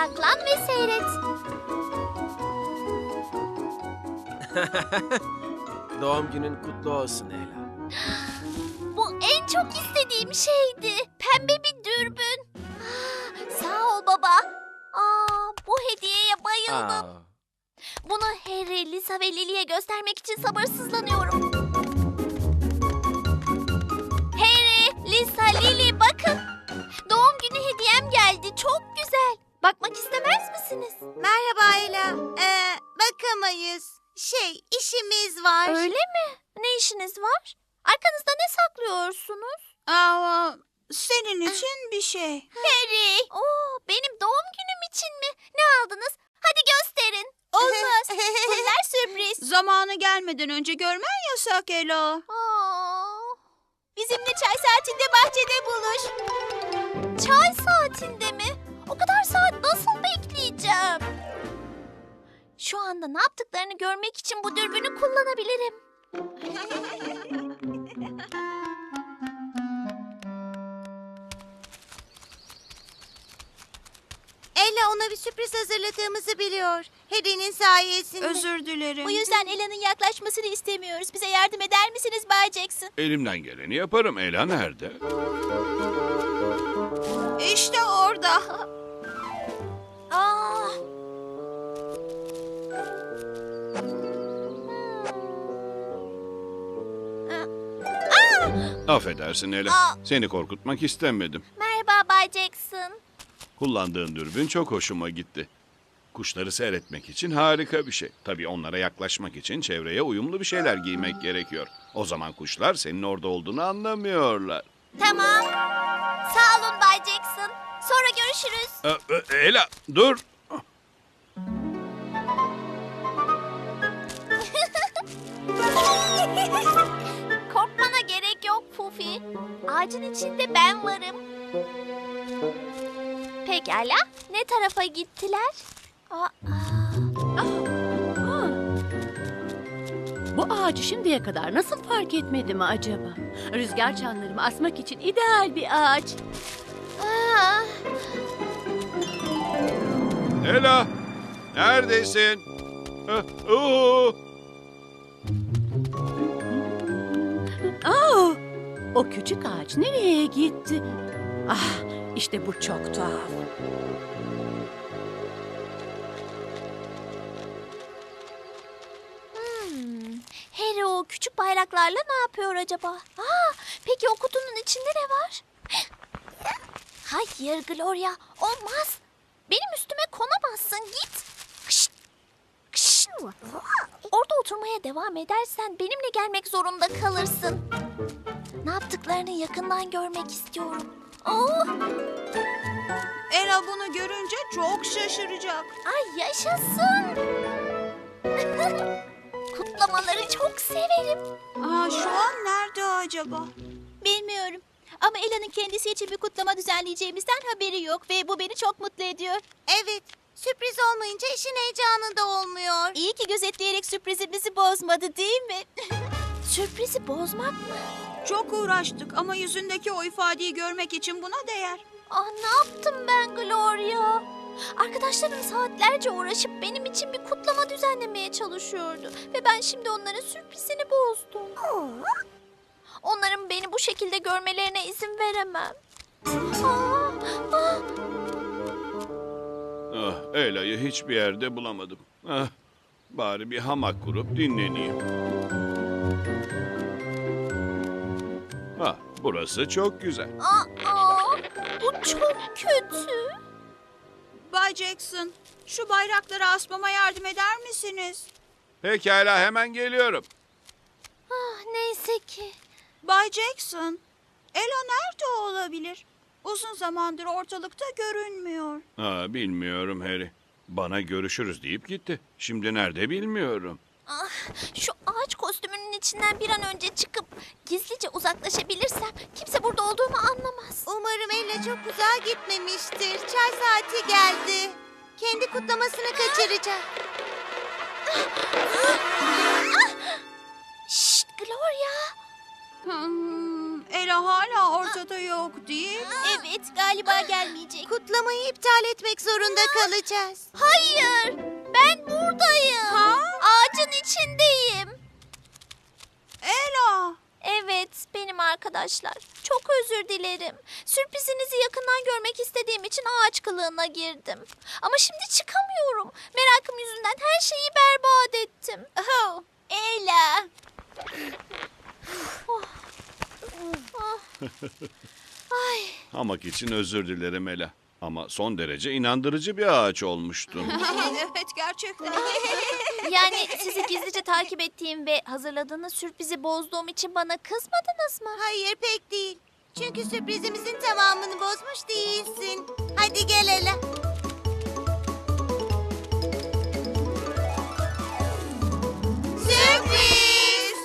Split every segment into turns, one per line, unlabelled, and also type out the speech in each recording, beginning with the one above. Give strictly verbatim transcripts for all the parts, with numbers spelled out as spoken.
Saklan ve seyret.
Doğum günün kutlu olsun Ela.
Bu en çok istediğim şeydi. Pembe bir dürbün. Ah, sağ ol baba. Aa, bu hediyeye bayıldım.
Aa,
Bunu Harry, Lisa ve Lily'ye göstermek için sabırsızlanıyorum. Harry, Lisa, Lily bakın. Doğum günü hediyem geldi. Çok güzel. Bakmak istemez misiniz?
Merhaba Ela. Ee, bakamayız. Şey, işimiz var.
Öyle mi? Ne işiniz var? Arkanızda ne saklıyorsunuz?
Aa, senin için bir şey.
Harry. Oo, benim doğum günüm için mi? Ne aldınız? Hadi gösterin.
Olmaz.
Bunlar sürpriz.
Zamanı gelmeden önce görmen yasak Ela.
Aa. Bizimle çay saatinde bahçede buluş. Çay saatinde mi? O kadar saat nasıl bekleyeceğim? Şu anda ne yaptıklarını görmek için bu dürbünü kullanabilirim.
Ela ona bir sürpriz hazırladığımızı biliyor. Harry'nin sayesinde. Özür dilerim.
Bu yüzden Ela'nın yaklaşmasını istemiyoruz. Bize yardım eder misiniz Bay Jackson?
Elimden geleni yaparım. Ela nerede?
İşte orada.
Aa.
Affedersin Ela.
Aa.
Seni korkutmak istemedim.
Merhaba Bay Jackson.
Kullandığın dürbün çok hoşuma gitti. Kuşları seyretmek için harika bir şey. Tabii onlara yaklaşmak için çevreye uyumlu bir şeyler giymek gerekiyor. O zaman kuşlar senin orada olduğunu anlamıyorlar.
Tamam. Sağ olun Bay Jackson. Sonra görüşürüz.
Ee, e, Ela dur.
Korkmana gerek yok Puffy. Ağacın içinde ben varım. Pekala. Ne tarafa gittiler? Aa,
Bu ağacı şimdiye kadar nasıl fark etmedim acaba? Rüzgar çanlarımı asmak için ideal bir ağaç.
aa.
Ela neredesin? Ah, oo.
Aa, o küçük ağaç nereye gitti? Ah, işte bu çok tuhaf.
Hmm. Harry o küçük bayraklarla ne yapıyor acaba? Aa, peki o kutunun içinde ne var? Hayır Gloria, olmaz. Benim üstüme konamazsın, git. Kışt, kışt. Orada oturmaya devam edersen benimle gelmek zorunda kalırsın. Ne yaptıklarını yakından görmek istiyorum. Oh,
Ela bunu görünce çok şaşıracak.
ay yaşasın. Kutlamaları çok severim.
Aa, şu an nerede acaba?
Bilmiyorum. Ama Ela'nın kendisi için bir kutlama düzenleyeceğimizden haberi yok ve bu beni çok mutlu ediyor.
Evet. Sürpriz olmayınca işin heyecanı da olmuyor.
İyi ki gözetleyerek sürprizimizi bozmadı değil mi? Sürprizi bozmak mı?
Çok uğraştık ama yüzündeki o ifadeyi görmek için buna değer.
Ah ne yaptım ben Gloria? Arkadaşlarım saatlerce uğraşıp benim için bir kutlama düzenlemeye çalışıyordu. Ve ben şimdi onların sürprizini bozdum. Onların beni bu şekilde görmelerine izin veremem. Ah, ah.
Ah, Ela'yı hiçbir yerde bulamadım. Ah, bari bir hamak kurup dinleneyim. Ah, burası çok güzel.
Aa, bu çok kötü.
Bay Jackson, şu bayrakları asmama yardım eder misiniz?
Pekala hemen geliyorum.
Ah, neyse ki.
Bay Jackson, Ela nerede olabilir? Uzun zamandır ortalıkta görünmüyor.
Ah, bilmiyorum Harry. Bana görüşürüz deyip gitti. Şimdi nerede bilmiyorum.
Ah, şu ağaç kostümünün içinden bir an önce çıkıp gizlice uzaklaşabilirsem kimse burada olduğumu anlamaz.
Umarım Ela çok uzağa gitmemiştir. Çay saati geldi. Kendi kutlamasını kaçıracak.
Şşt Gloria.
Hmm,
Ela hala ortada yok değil mi?
Evet, galiba gelmeyecek.
Kutlamayı iptal etmek zorunda kalacağız.
Hayır, ben buradayım. Ağacın içindeyim.
Ela!
Evet, benim arkadaşlar. Çok özür dilerim. Sürprizinizi yakından görmek istediğim için ağaç kılığına girdim. Ama şimdi çıkamıyorum. Merakım yüzünden her şeyi berbat ettim. Oh, Ela. Ay,
Hamak için özür dilerim Ela. Ama son derece inandırıcı bir ağaç olmuştun.
Evet gerçekten.
yani sizi gizlice takip ettiğim ve hazırladığınız sürprizi bozduğum için bana kızmadınız mı?
Hayır pek değil. Çünkü sürprizimizin tamamını bozmuş değilsin. Hadi gel Ela. Sürpriz!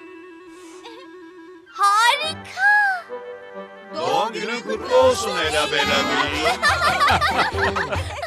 Harika.
Doğum günün kutlu olsun Ela Bellamy.